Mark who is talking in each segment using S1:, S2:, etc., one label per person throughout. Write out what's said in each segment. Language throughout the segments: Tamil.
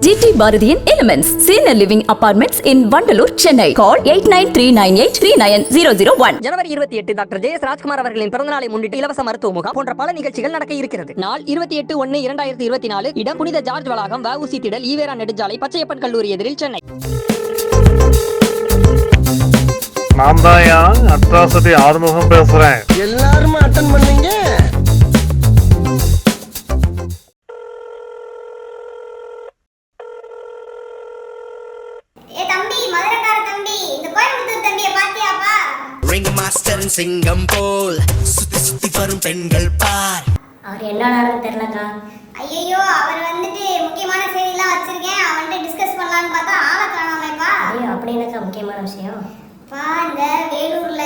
S1: GT பாரதியின் elements senior living apartments in Vandalur, Chennai. Call 8939839001.
S2: ஜனவரி 28 டாக்டர் ஜே.எஸ். ராஜ்குமார் அவர்களின் பிறந்தநாளை முன்னிட்டு இலவச மருத்துவ முகாம் போன்ற பல நிகழ்ச்சிகள் நடக்க இருக்கிறது. நாள் 28/1/2024. இடம் புனித ஜார்ஜ் வளாகம், வ.உ.சி. திடல், ஈவேரா நெடுஞ்சாலை, பச்சையப்பன் கல்லூரி எதிரில், சென்னை.
S3: நான் தான் அட்ராசிட்டி ஆறுமுகம் பேசுறேன்.
S4: எல்லாரும் அட்டெண்ட் பண்ணீங்க.
S5: ரிங் மாஸ்டர் சிங்கம் போல் சுத்தி சுத்தி வரும் பெண்கள் பார்.
S6: அவர் என்னன்னு தெரியலக்கா.
S7: ஐயோ, அவர் வந்துட்டு முக்கியமான செய்திலாம் வச்சிருக்கேன், அவன்கிட்ட டிஸ்கஸ் பண்ணலான்னு பார்த்தா ஆளை காணாமேப்பா.
S6: ஐயோ, அப்படி என்னக்கா முக்கியமான விஷயம்?
S7: இந்த வேலூர்ல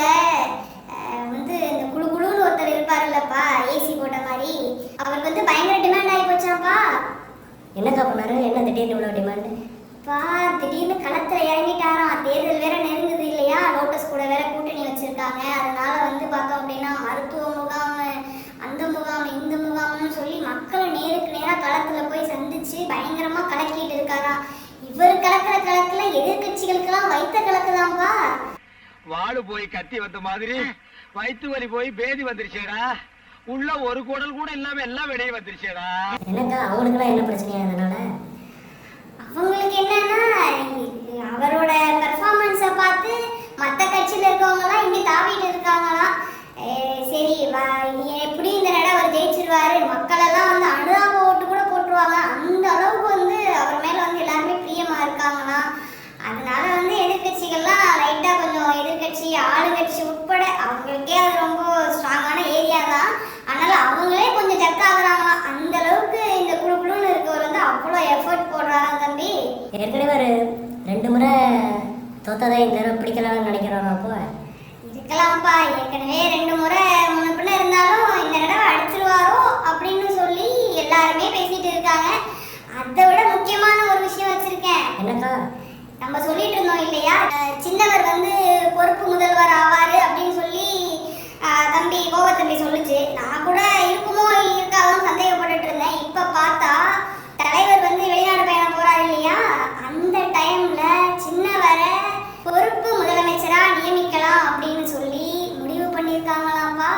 S7: வந்து இந்த குழுன்னு ஒருத்தர் இருப்பாருல்லப்பா, ஏசி போட்ட மாதிரி, அவருக்கு வந்து பயங்கர டிமாண்ட் ஆகி போச்சாப்பா.
S6: என்னக்கா பண்ணாரு? என்ன திடீர்னு இவ்வளோ டிமாண்டு?
S7: திடீர்னு களத்துல இறங்கிட்டாராம். தேர்தல் வேற நெருங்குது இல்லையா, லோட்டஸ் கூட வேற கூட்டணி வச்சிருக்காங்க. அதனால வந்து பார்த்தோம் அப்படின்னா மருத்துவ முகாம், அந்த முகாம், இந்த முகாம்னு சொல்லி மக்களை நேருக்கு நேராக களத்துல போய் சந்திச்சு பயங்கரமா கலக்கிட்டு இருக்காராம். இவர் கலக்கிற கலக்குல எதிர்கட்சிகளுக்கெல்லாம் வைத்த கலக்குதான்ப்பா.
S8: வாழு போய் கத்தி வந்த மாதிரி வயிற்று வலி போய் பேதி வந்துருச்சேடா. உள்ள ஒரு குடல் கூட இல்லாம எல்லாம் வெளியே வந்துருச்சேடா.
S6: என்னக்கா அவங்களுக்குலாம் என்ன பிரச்சனையா? அதனால
S7: அவங்களுக்கு என்னன்னா, அவரோட பெர்ஃபார்மன்ஸை பார்த்து மற்ற கட்சியில் இருக்கவங்கலாம் இங்கே தாவிட்டு இருக்காங்களாம். சரி, எப்படி இந்த நட அவர் ஜெயிச்சிருவாரு, மக்களெல்லாம் வந்து அனுதாப ஓட்டு கூட போட்டுருவாங்க, அந்த அளவுக்கு வந்து அவர் மேலே வந்து எல்லாருமே பிரியமாக இருக்காங்களாம். அதனால வந்து எதிர்கட்சிகள்லாம் லைட்டாக கொஞ்சம் எதிர்கட்சி ஆளுங்கட்சி உட்பட அவங்களுக்கே அது ரொம்ப ஸ்ட்ராங்கான ஏரியா தான். அதனால அவங்களே கொஞ்சம் ஜக்காகிறாங்களாம். அந்த அளவுக்கு இந்த குழுன்னு இருக்கவர் வந்து அவ்வளோ எஃபர்ட் போடுறாராம் தம்பி.
S6: ஏற்கனவே ஒரு 2 முறை தோத்ததை இந்த தடவை பிடிக்கலாம்னு நினைக்கிறாரா? அப்போ
S7: இருக்கலாம்ப்பா, ஏற்கனவே 2 முறை முன்ன இருந்தாலும் இந்த தடவை அடிச்சிருவாரோ அப்படின்னு சொல்லி எல்லாருமே பேசிட்டு இருக்காங்க. அதை விட முக்கியமான ஒரு விஷயம் வச்சிருக்கேன்.
S6: என்னக்கா?
S7: நம்ம சொல்லிட்டு இருந்தோம் இல்லையா, சின்னவர் வந்து பொறுப்பு முதல்வர் ஆவாரு அப்படின்னு சொல்லி தம்பி கோவத்தம்பி சொல்லுச்சு. நான் கூட இருக்குமோ இருக்காதுன்னு சந்தேகப்பட்டுட்டு இருந்தேன். இப்ப பார்த்தா தலைவர் வந்து வெளிநாடு பயணம் போறாரு இல்லையா, அந்த டைம்ல சின்னவரை பொறுப்பு முதலமைச்சரா நியமிக்கலாம் அப்படின்னு சொல்லி முடிவு பண்ணிருக்காங்களாம்பா.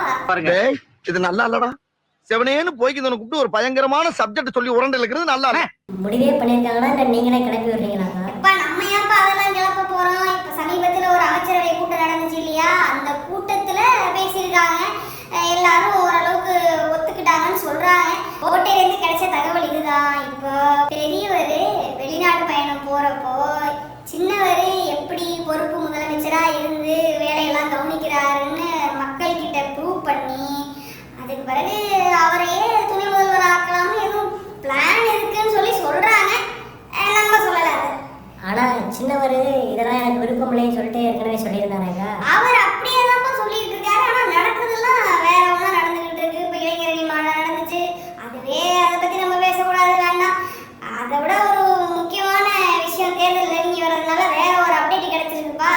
S4: இது நல்லா இல்லடா. செவனேன்னு போய்க்கு கூப்பிட்டு ஒரு பயங்கரமான சப்ஜெக்ட் சொல்லி உரண்டு இருக்கிறது நல்லா இல்ல.
S6: முடிவே பண்ணிருக்காங்களா இல்ல நீங்களே கிளப்பி விடுறீங்களாக்கா?
S7: நம்ம ஏன்ப்பா அதெல்லாம் கிளப்ப போறோம்? இப்ப சமீபத்துல ஒரு அமைச்சரவை கூட்டம் நடந்துச்சு இல்லையா, அந்த கூட்டத்துல பேசியிருக்காங்க. எல்லாரும் ஓரளவுக்கு ஒத்துக்கிட்டாங்கன்னு சொல்றாங்க. கோட்டையிலேருந்து கிடைச்ச தகவல் இதுதான். இப்போ பெரியவர் வெளிநாடு பயணம் போறப்போ சின்னவர் எப்படி பொறுப்பு முதலமைச்சரா இருந்து வேலையெல்லாம் கவனிக்கிறாருன்னு மக்கள் கிட்ட ப்ரூவ் பண்ணி அதுக்கு பிறகு அவரையே துணை முதல்வர் ஆக்கலாம்னு எதுவும் பிளான் இருக்குன்னு சொல்லி சொல்றாங்க. நம்ம சொல்லல.
S6: ஆனா சின்னவர் இதெல்லாம் எனக்கு விருப்பம் இல்லைன்னு சொல்லிட்டு ஏற்கனவே சொல்லியிருந்தாங்க.
S7: அவர் அப்படியே தான் சொல்லிட்டு இருக்காரு. ஆனா நடக்குதுலாம் வேற ஒண்ணா நடந்துகிட்டு இருக்கு. இப்ப இளைஞரணி மாநாடு நடந்துச்சு, அதுவே அதை பத்தி நம்ம பேசக்கூடாது, வேண்டாம். அதை விட ஒரு முக்கியமான விஷயம் தேர்தல் நெருங்கி வர்றதுனால வேற ஒரு அப்டேட் கிடைச்சிருக்குப்பா.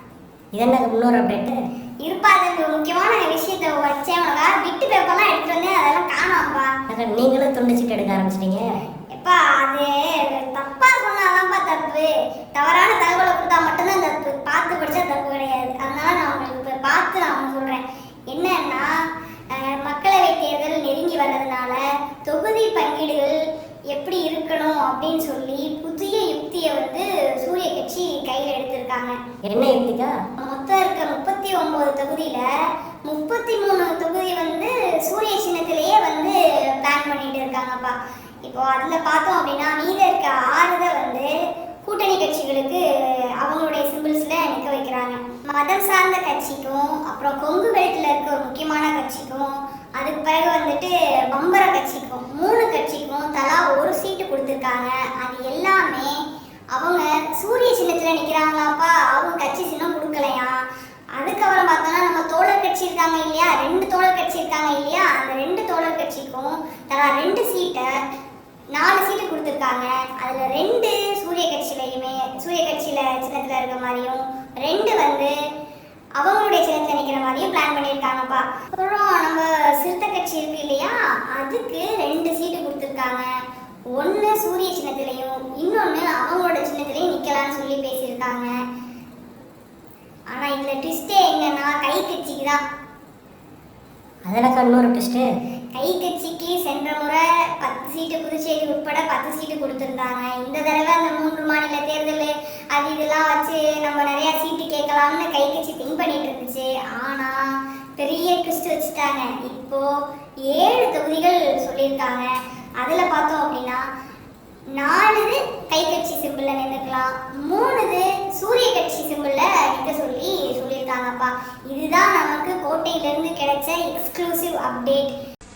S6: இது என்ன இன்னொரு அப்டேட்
S7: இருப்பா? அது முக்கியமான விஷயத்தை வச்சேன், பிட்டு பேப்பர்லாம் எடுத்துட்டு வந்தேன், அதெல்லாம் காணாம்ப்பா.
S6: நீங்களும் துண்டிச்சுட்டு எடுக்க ஆரம்பிச்சிட்டீங்க.
S7: எப்பா, அது தப்பா சொன்னாதான்ப்பா தப்பு. தவறான தகவலை கொடுத்தா மட்டும்தான் தப்பு, பார்த்து படிச்சா தப்பு கிடையாது. அதனால நான் உங்களுக்கு இப்போ பார்த்து நான் சொல்றேன். என்னன்னா, மக்களவை தேர்தல் நெருங்கி வர்றதுனால தொகுதி பங்கீடுகள் எப்படி இருக்கணும் அப்படின்னு சொல்லி புதிய யுக்தியை வந்து சூரிய கட்சி கையில் எடுத்திருக்காங்க.
S6: என்ன யுக்திக்கா?
S7: மொத்தம் இருக்க 39 தொகுதியில 33 தொகுதி வந்து சூரிய சின்னத்திலேயே வந்து பிளான் பண்ணிட்டு இருக்காங்கப்பா. இப்போ அதில் பார்த்தோம் அப்படின்னா மீத இருக்க 6 வந்து கூட்டணி கட்சிகளுக்கு அவங்களுடைய சிம்பிள்ஸில் நிற்க வைக்கிறாங்க. மதம் சார்ந்த கட்சிக்கும், அப்புறம் கொங்கு பெல்ட்டில் இருக்க ஒரு முக்கியமான கட்சிக்கும், அதுக்கு பிறகு வந்துட்டு பம்பர கட்சிக்கும், 3 கட்சிக்கும் தலா ஒரு சீட்டு கொடுத்துருக்காங்க. அது எல்லாமே அவங்க சூரிய சின்னத்தில் நிற்கிறாங்களாப்பா, அவங்க கட்சி சின்னம் கொடுக்கலையா. அதுக்கப்புறம் பார்த்தோம்னா நம்ம தோழர் கட்சி இருக்காங்க இல்லையா, 2 தோழர் கட்சி இருக்காங்க இல்லையா, அந்த 2 தோழர் கட்சிக்கும் தலா 2 சீட்டை 4 சீட்டு கொடுத்துருக்காங்க. அதில் 2 சூரிய கட்சியிலையுமே சூரிய கட்சியில் சின்னத்தில் இருக்க மாதிரியும் 2 வந்து அவங்களுடைய சின்னத்தில் நிற்கிற மாதிரியும் பிளான் பண்ணியிருக்காங்கப்பா. அப்புறம் நம்ம சிறுத்தை கட்சி இருக்கு இல்லையா, அதுக்கு 2 சீட்டு கொடுத்துருக்காங்க. ஒன்று சூரிய சின்னத்திலையும் இன்னொன்று தான்.
S6: அதனக்கா இன்னொரு ட்விஸ்ட்டு.
S7: கை கட்சிக்கு சென்ற முறை 10 சீட்டு புதுச்சேரி உட்பட 10 சீட்டு கொடுத்துருந்தாங்க. இந்த தடவை அந்த 3 மாநில தேர்தல் அது இதெல்லாம் வச்சு நம்ம நிறைய சீட்டு கேட்கலாம்னு கை கட்சி திங்க் பண்ணிட்டு இருந்துச்சு. ஆனா பெரிய ட்விஸ்ட் வச்சுட்டாங்க. இப்போ 7 தொகுதிகள் சொல்லியிருக்காங்க. அதுல பார்த்தோம் அப்படின்னா 4 கை கட்சி சிம்பிள்ல நின்றுக்கலாம், 3 சூரிய கட்சி சிம்பிள்ல நிற்க சொல்லி சொல்லியிருக்காங்கப்பா. இதுதான் நமக்கு கோட்டையிலிருந்து கிடைச்ச எக்ஸ்க்ளூசிவ் அப்டேட்.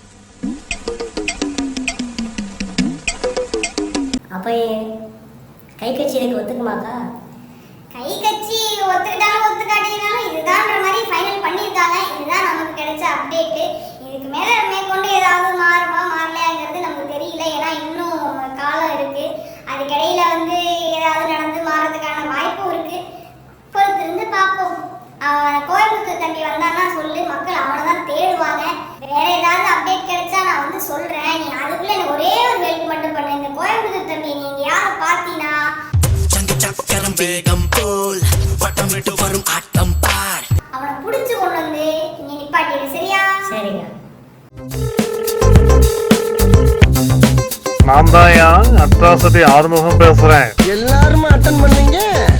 S6: அப்போ கை கட்சி இதுக்கு ஒத்துக்குமாக்கா?
S7: கை கட்சி ஒத்துக்கிட்டாலும் ஒத்துக்காட்டினாலும் இதுதான்ற மாதிரி ஃபைனல் பண்ணியிருக்காங்க. இதுதான் நமக்கு கிடைச்ச அப்டேட்டு. இதுக்கு மேற்கொண்டு ஏதாவது மாறுமா மாறலையாங்கிறது நமக்கு தெரியல. ஏன்னா இன்னும் காலம் இருக்கு. அதுக்கிடையில வந்து ஏதாவது நடந்து மாறதுக்கான வாய்ப்பும் இருக்கு. பொறுத்திருந்து பார்ப்போம். கோயம்புத்தூர் தம்பி வந்தான்னா சொல்லு, மக்கள் அவனை தான் தேடுவாங்க. வேற ஏதாவது அப்டேட் கிடைச்சா நான் வந்து சொல்றேன். நீ அதுக்குள்ள எனக்கு ஒரே ஒரு ஹெல்ப் மட்டும் பண்ணு. இந்த கோயம்புத்தூர் தம்பி நீங்க யாரை பார்த்தீங்கன்னா
S5: சக்கரம் வேகம் போல் வட்டம் விட்டு வரும் ஆட்டம் பார்.
S7: அவனை புடிச்சு கொண்டு வந்து இங்க நிப்பாட்டிடு, சரியா?
S6: சரிங்க.
S3: நான் தாயா அட்ராசிட்டி ஆறுமுகம் பேசுறேன்.
S4: எல்லாரும் அட்டன் பண்ணீங்க.